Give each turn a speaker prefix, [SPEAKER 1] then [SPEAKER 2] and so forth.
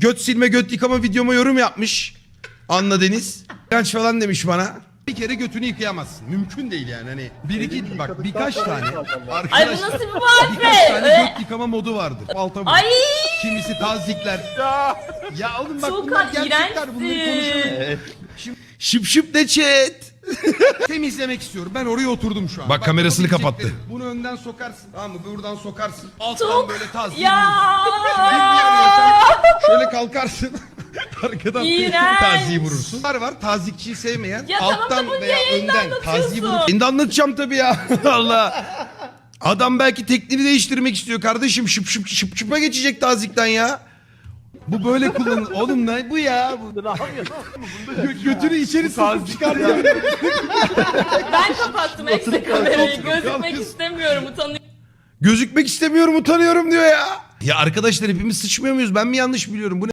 [SPEAKER 1] Göt silme göt yıkama videoma yorum yapmış. Anla Deniz. İğrenç falan demiş bana. Bir kere götünü yıkayamazsın. Mümkün değil yani. Hani bir iki bak birkaç tane.
[SPEAKER 2] Ay bu nasıl bir
[SPEAKER 1] Birkaç
[SPEAKER 2] muhabbet?
[SPEAKER 1] tane göt yıkama modu vardır. Alta vur.
[SPEAKER 2] Ay
[SPEAKER 1] Kimisi tazikler. Ya oğlum bak bunlar
[SPEAKER 2] Tuğkan
[SPEAKER 1] gerçekler. Bunları konuşalım.
[SPEAKER 2] iğrençsin.
[SPEAKER 1] Şıp şıp de chat. Temizlemek istiyorum. Ben oraya oturdum şu an. Bak kamerasını kapattı. Bunu önden sokarsın. Tamam mı? Buradan sokarsın. Alttan
[SPEAKER 2] Çok
[SPEAKER 1] böyle tazik.
[SPEAKER 2] ya.
[SPEAKER 1] Şöyle kalkarsın. Arkadan
[SPEAKER 2] İğrenç.
[SPEAKER 1] taziyi vurursun. Var tazikçiyi sevmeyen.
[SPEAKER 2] Ya tamam da
[SPEAKER 1] alttan
[SPEAKER 2] bunu
[SPEAKER 1] veya
[SPEAKER 2] yayında
[SPEAKER 1] önden
[SPEAKER 2] anlatıyorsun.
[SPEAKER 1] taziyi vurur. Şimdi anlatacağım tabii ya. Allah. Adam belki tekniğini değiştirmek istiyor kardeşim. Şıp şıp şıp şıpa geçecek tazikten ya. Bu böyle kullanılır. Oğlum ne bu ya? Götünü içeri sokup çıkartıyor.
[SPEAKER 2] Ben kapattım ekstra kamerayı. Gözükmek istemiyorum, utanıyorum.
[SPEAKER 1] Gözükmek istemiyorum, utanıyorum diyor ya. Ya arkadaşlar hepimiz sıçmıyor muyuz? Ben mi yanlış biliyorum? Bu ne?